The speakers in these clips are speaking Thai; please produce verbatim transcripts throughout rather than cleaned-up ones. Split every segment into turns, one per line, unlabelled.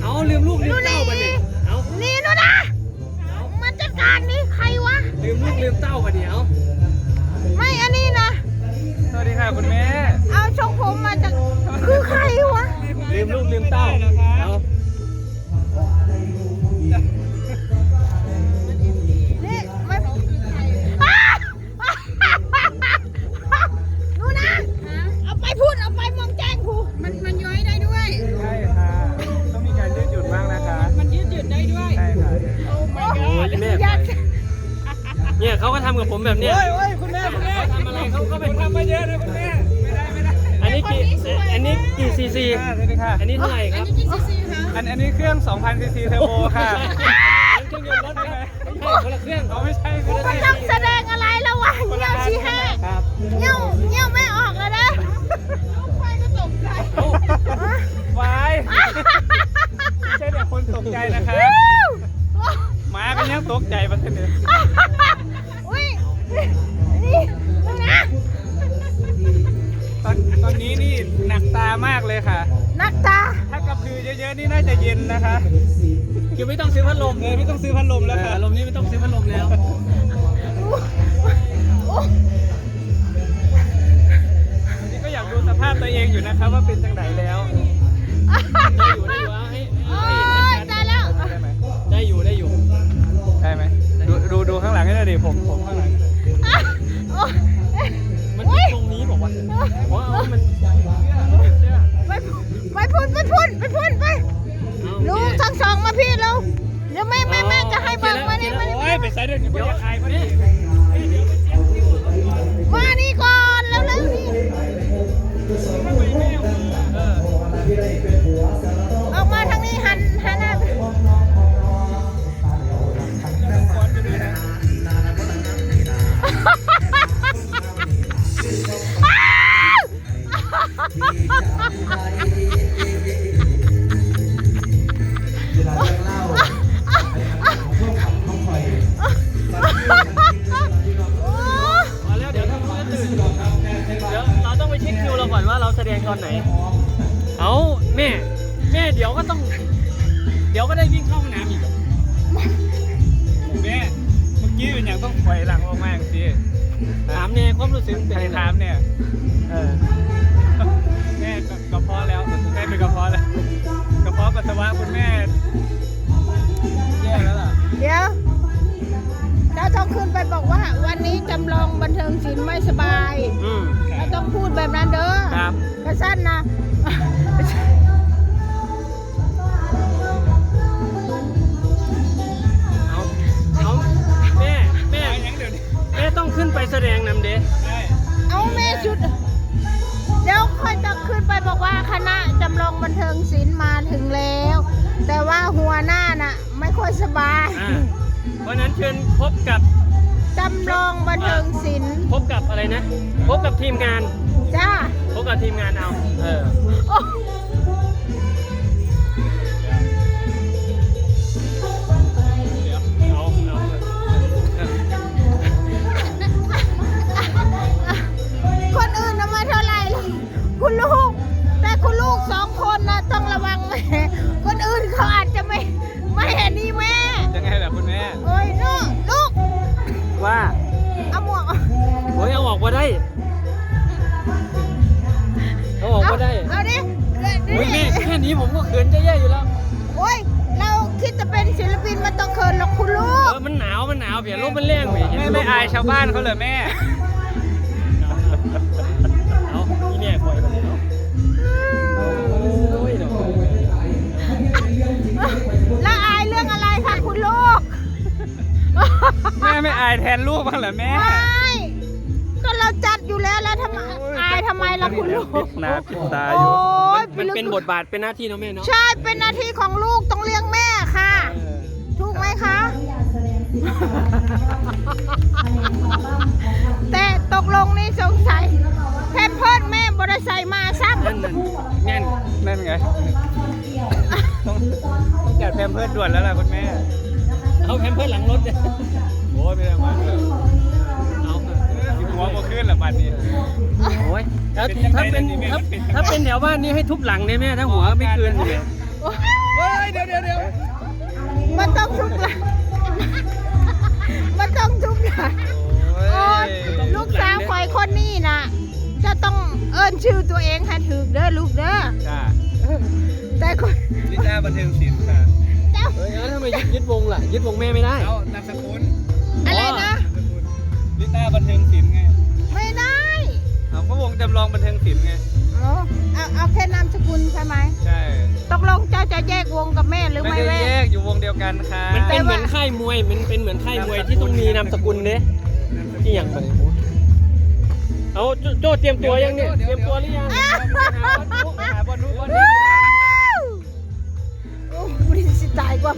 เอาลืมลูกลืมเต้าไปเนี่ยเอา
นี่นู่นนะมาจัดการนี่ใครวะ
ลืมลูกลืมเต้าไปเนี่ยเอา
ไม่อันนี้นะ
สวัสดีค่ะคุณแม่
เอาชงผมมาจากคือใครวะ
ลืมลูกลืมเต้าเอา
นี่ไม่นู่นนะเอาไปพูดเอาไปมองแจ้งครูมันมันย้อยได้ด้วย
ใช่ค่ะต้องมีการยืดหยุ่นบ้างนะคะ
มันยืดหยุ่นได้ด้วย
ใช่ค่ะ
โอ้ my god
แม่เนี่ยเขาก็ทำกับผมแบบเนี้ย
โอ้ยโอ้ยคุณแม่คุณแม่
ทำอะไรเขาก็เป็น
ทำมาเยอะเลยคุณแม่ไม่ได้ไม่ได้
อันนี้กี่อันนี้กี่ซีซีอันนี้เท่าไหร่ครับ
อันอันนี้เครื่อง สองพัน ซีซีเทอร์โบค่ะ
เครื่องยนต์รถใช่ไหมคนละเครื่อง
เขาไม่ใช่คนละ
มันต้องแสดงอะไรแล้ววะเงี้ยวชี้แห่เงี้ยวเงี้ยวไม่ออกเลยนะลูกไฟก็ตกใจ
วายไม่ใช่แต่คนตกใจนะคะหมาก็ยังตกใจมาเสนอ
อุ้ยนี่นะ
ตอนตอนนี้นี่หนักตามากเลยค่ะ
หนักตา
ถ้ากระพือเยอะๆนี่น่าจะเย็นนะคะ
คือไม่ต้องซื้อพัดลม
เลยไม่ต้องซื้อพัดลมแล้วค่ะ
พัดลมนี้ไม่ต้องซื้อพัดลมแล้ว
นี่ก็อยากดูสภาพตัวเองอยู่นะคะว่าเป็นจังไหนแล้ว
ได้อยู่ได้อยู่ให้
ได้แล้ว
ได้อยู่ได้อยู่
ได้ไหมดูดูดูข้างหลังให้หน่อยดิผมผมข้างหลัง
มันตรงนี้บอกว่าเพราะมัน
ไปไปพูดไปพูดไปพูดไปลูกทั้งสองมาพี่เราเดี๋ยวแม่แม่แม่จะให้เบิกมานี่มา
โอ้ยไปใส่เดี๋ยวเดี๋ยวอายมาดิ
มานี่ก่อนแล้วแล้วนี่ออกมาทางนี้หันหันหน้า
เราแสดงตอนไหนเอาแม่แม่เดี๋ยวก็ต้องเดี๋ยวก็ได้วิ่งเข้าห้องน้ำอีก
แม่เมื่อกี้เป็นอย่างต้องถอยหลังออกมาสิ
ถามเนี่ยความรู้สึก
ใครถามเนี่ย
เออ
แม่กระเพาะแล้วแม่เป็นกระเพาะแล้วกระเพาะปัสสาวะคุณแม่แย่แล้วล่ะ
เดี๋ยวเจ้าต้องขึ้นไปบอกว่าวันนี้จำลองบันเทิงศิลป์ไม่สบายเราต้องพูดแบบนั้นเด้อ
ครับ
กระสั้นนะ
เอาเอาแม่แม่แม่ต้องขึ้นไปแสดงนำเด้
เอาแม่ชุดเดี๋ยวค่อยจะขึ้นไปบอกว่าคณะจำลองบันเทิงศิลป์มาถึงแล้วแต่ว่าหัวหน้าน่ะไม่ค่อยสบาย
เพราะนั้นเชิญพบกับ
จำลองบันเทิงศิลป์
พบกับอะไรนะพบกับทีมงาน
จ้า
พบกับทีมงานเอาเออเอา
คนอื่นน่ะมาเท่าไหร่คุณลูกแต่คุณลูกสองคนนะต้องระวังแม่คนอื่นเขาอาจจะไม่ไม่เห็นนี่แม่
ยังไงล่ะคุณแม่
โอ้ยลูกลูก
ว่า
เอาหมวก
โอ้ยเอาออกมาได้เอาออกมาได้
เอาดิ
โอ้ยแม่แค่นี้ผมก็เขินจะแย่อยู่แล้ว
โอ้ยเราคิดจะเป็นศิลปินมันต้องเขินหรอกคุณลูก
เออมันหนาวมันหนาวเปลี่ยนลมมันแรง
แม่ไม่อายชาวบ้านเขาเลยแม่
เอาอีแม่คอยมาเลยเนาะ
แล้วอายเรื่องอะไรคะคุณลูก
แม่ไม่อายแทนลูกบ้างเหรอแม่
ไม่ก็เราจัดอยู่แล้วแล้วทำไมอายทำไมล่ะคุณลูก
หน้าปิดตาอยู่
มันเป็นบทบาทเป็นหน้าที่เนาะแม่เนาะ
ใช่เป็นหน้าที่ของลูกต้องเลี้ยงแม่ค่ะถูกไหมคะแต่ตกลงนี่สงสัยแพมเพิร์สแม่บริษัทมาซ้ำ
นั่นนั่น
นั่นไงต้องต้องจัดแพมเพิร์สด่วนแล้วล่ะคุณแม่
เอาแพมเพิร์สหลังรถ
โอ้ยไม่ได้มาเอาหัวโมขึ้นหรอบัดนี้
โอ้ยถ้าเป็นถ้าถ้าเป็นแถวบ้านนี้ให้ทุบหลังเนี่ยแม่ถ้าหัวไม่คืนเลย
เฮ้ยเดี๋ยว
อิ้นชื่อตัวเองให้ถูกเด้อลูกเด้อ
จ้า
แต่คน
ลิต้าบันเทิงศิลป์ค่ะ
เจ้า
เฮ้ยแล้วทำไมยึดยึดวงล่ะยึดวงแม่ไม่ได้
เอานามสกุล
อะไรนะ
นามสกุลลิต้าบันเทิงศิลป์ไง
ไม่ได้
เอาก็วงจำลองบันเทิงศิลป์ไง
เอาเอาเอาแค่นามสกุลใช่ไหม
ใช่
ตกลงเจ้าจะแยกวงกับแม่หรือ
ไม่
ไม่
ได้
แย
แย
ก
กอยู่วงเดียวกันค่ะ
มันเป็นเหมือนค่ายมวยมันเป็นเหมือนค่ายมวยที่ต้องมีนามสกุลเด้ที่อย่างไรเอาโจโจ้เตรียมตัวยังเนี่ยเตรียมตัวหรือยัง
ไปหาบอลนู้นบอลนี้
โอ้บริสิตายกว่า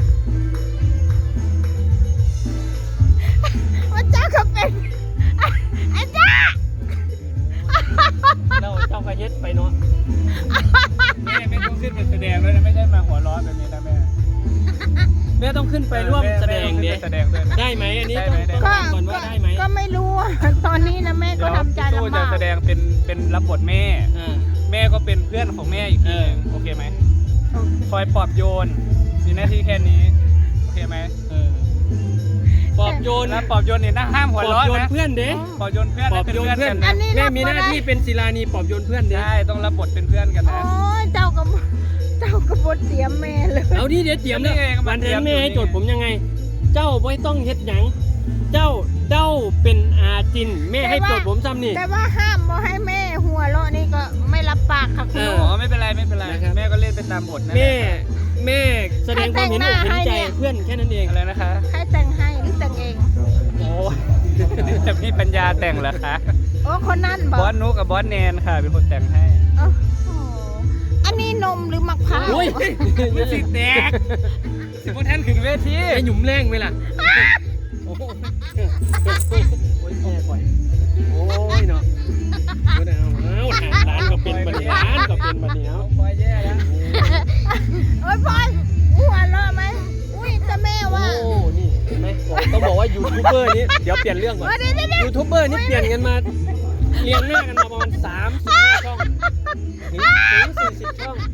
ว่าเจ้าก็เป็นอาจารย์
เราเจ้ากระเฮ็ดไปเนาะ
แม่ไม่ต้องขึ้นเป็นแสดงด้วยนะไม่ใช่มาหัวร้อนแบบนี้นะแม่
แม่ต้องขึ้นไปร่วมแสดง
เด้
เด้
แสดงด้วยนะ
ได้ไหมอันนี้
ได้
ต้อง
ไหมได้
ต้อง
ไหม
ถามก่อนว่าได้ไหม
ก็ไม่รู้อะตอนนี้นะแม่ก็
เดี๋ยว
ทำใจ
พี่โซ่
ลำ
จะ
บาก
แสดงเป็นเป็นรับบทแม่
อ่า
แม่ก็เป็นเพื่อนของแม่อีกทีหนึงโอเคไหมคอยปลอบโยนมีหน้าที่แค่นี้โอเคไหม
เออปลอบโยน
แล้วปลอบโยนเนี่ยนะห้าม
ป
หั
ล
ว
อบ
ร้อน
โยน
นะ
เพื่อนเด้
ปลอบโยนเพื่อน
ปลอบ
เป็น
โยน
เพื่อน
เพื่อ
กัน นนะ
แม่มีหน้าที่เป็นศิลานีปลอบโยนเพื่อนเด้
ใช่ต้องรับบทเป็นเพื่อนกัน
โอ้
นะ
ยเจ้าก็เจ้าก็บดเตรียมแม่เลย
เอาดิเดี๋ยวเตรียมแล้ว
นี่ไงก็มา
วัน
เตรี
แท
ย
น
ม
แม่ให้
อยู่
โจทย์ผมยังไง เจ้าไม่ต้องเฮ็ดหยังเจ้าเจ้าเป็นอาจินแม่ให้โจทย์ผมซ้ำนี่
แต่ว่าห้ามบ่ให้แม่หัวเราะนี่ก็ไม่รับปากค่ะคุณ
เอ
ลู
อ
ก
อ๋อไม่เป็นไรไม่เป็นไร
นะครับ
แม่ก็เล่นไปตามบทนะ
แม่แม่แสดงความเห็นอกเห็นใจเพื่อนแค่นั้นเอง
อะไรนะคะ
ให้แต่งให้หรือแต่งเอง
โอ้จะมีปัญญาแต่งเหรอคะ
โอ้คนนั้นบบ อ
อก สนุกกับบอสแนนค่ะเป็นคนแต่งให้
โอ้โหอันนี้นมหรือมะพร้าว
โอ้ย
มันสิแตกสิบท่านถึงเวที
ไอ้หยุ่มแรงไหมล่ะโอ้โหโอ้ยแม่ปล่อยโอ้ยเนาะเอาเอาเอาร้านก็เป็นบันนี้ร้านก็เป็นบันนี้เอา
พอยแย่แล้ว
โอ้ยพ่อยหัวเราะไหมอุ้ยแต่แม่ว่า
โอ้นี่เห็นไหมต้องบอกว่ายูทูบเบอร์นี้เดี๋ยวเปลี่ยนเรื่องก่อน
ว่าเดี๋ยวเดี๋ยวเดี๋ยว
ยูทูบเบอร์นี่เปลี่ยนกันมาเรียงหน้ากันมาประมาณสามสิบห้าช่องถึงถึงสี่สิบช่อง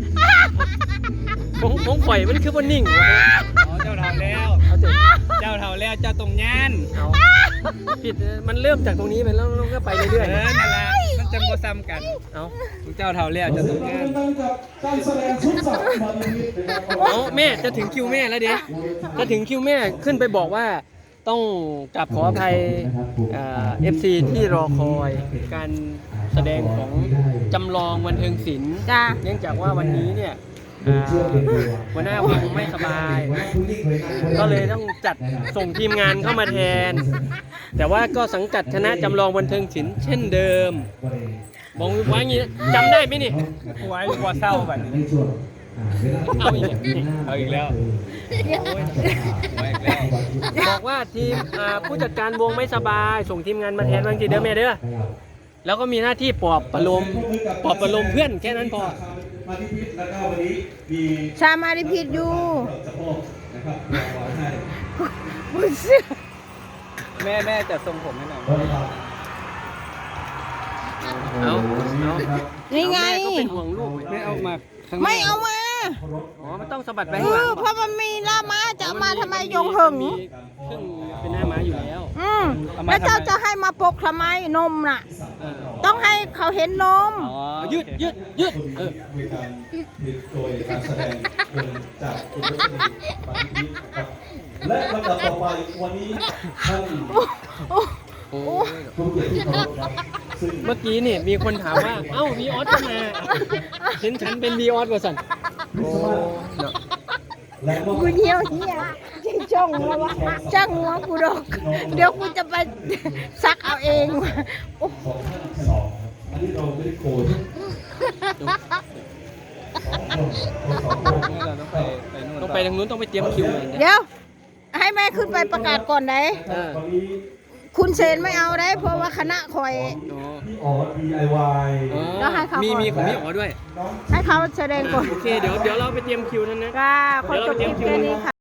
ของของข่อยมันคือว่านิ่งวะ
อ๋อเจ้าเท่าแล้ว
เอาเถอะ
เจ้าเท่าแล้วเจ้าตรงย่าน
เอาผิดมันเริ่มจากตรงนี้ไปแล้วเราก็ไป
เอ
เรื่อ
อย นั่นแหละมันจะโมซ้ำกัน
ๆเอา
เจ้าเท่าแล้วเจ้าตรงย่าน
การแสดงชุดสัตว์มาลีนิดนะครับ
เอาแม่จะถึงคิวแม่แล้วเด็จะถึงคิวแม่ขึ้นไปบอกว่าต้องกลับขออภัยเอฟซีที่รอคอยการแสดงของจำลองบันเทิงศิลป์
จ้า
เนื่องจากว่าวันนี้เนี่ยอ่าหัวหน้าวงไม่สบาย ก็เลยต้องจัดส่งทีมงานเข้ามาแทน แต่ว่าก็สังกัดคณะจำลองบันเทิงศิลป์เช่นเดิมบอกว่าอย่างนี้จำได้ไหมนี่
ไว้กลัวเศร้าแบบนี้
เอาอีกแล้วนี่
เอาอีกแล้วไว้อีกแล้ว
บอกว่าทีมอ่าผู้จัดการวงไม่สบาย ส่งทีมงานมาแทนบางทีเด้อแม่เด้อแล้วก็มีหน้าที่ปลอบประโลมปลอบประโลมเพื่อนแค่นั้นพอ
มาที่พิษแล้วก็วันนี้มี
ชามาริพิษอยู่
สะโพกนะครับรางวัลให้
บุญเสื้อ
แม่แม่จะทรงผมให้หน่อย
เอาเอา
นี่ไง
แม่ก็เป็นห่วงลูก
ไม่เอามาข้างหน้
ไม่เอามา
อ๋อมันต้องสะบัดไป
เอ
ข้างหลั
อง เพราะมันมีล่าม้าจะเอามาทำไมยงหึง
มีเครื่องเป็นหน้าม้าอยู่แล้ว
อืมแล้วเจ้าจะให้มาปกทำไมนมน่ะ
เออ
ต้องให้เขาเห็นนม
อ๋อ
ยืดยืดยืดเออ
มีการผิดโดยการแสดงวงจากคุณรัชนีปานิพิษนะครับและลำดับต่อไปวันนี้ท่าน
โอ้ย
ผู้เกียรติที่เคารพครับซึ่ง
เมื่อกี้นี่มีคนถามว่า เอ้าวีออสก็มาเห็นฉันเป็นวีออสว่าสันโอ้เนาะ
และก็
กูเหี่ยวเหี่ยจิงจ้องหัววะจ้างหัวกูดอก เดี๋ยวกูจะไปซักเอาเองว่ะโอ้
ของท่านสองครับอันนี้เราไม่ได้โกนสองคนสองคน
เราต้องไปไปนู่น
ต้องไปทางนู้นต้องไปเตรียมคิวเลย
เดี๋ยว ให้แม่ขึ้นไปประกาศก่อนไหน
เออ
วันนี้
คุณเซนไม่เอาได้ เพราะว่าคณะคอย
โอ้
พี่อ๋อ ดี ไอ วาย
อ๋อ
แล้วให้เขามี
มีมีของพี่อ๋อด้วย
น้อง
ให้เขาแสดงก่อน
โอเคเดี๋ยวเดี๋ยวเราไปเตรียมคิวท่านนะ
ก็ขอจบคลิปแค่นี้ค่ะ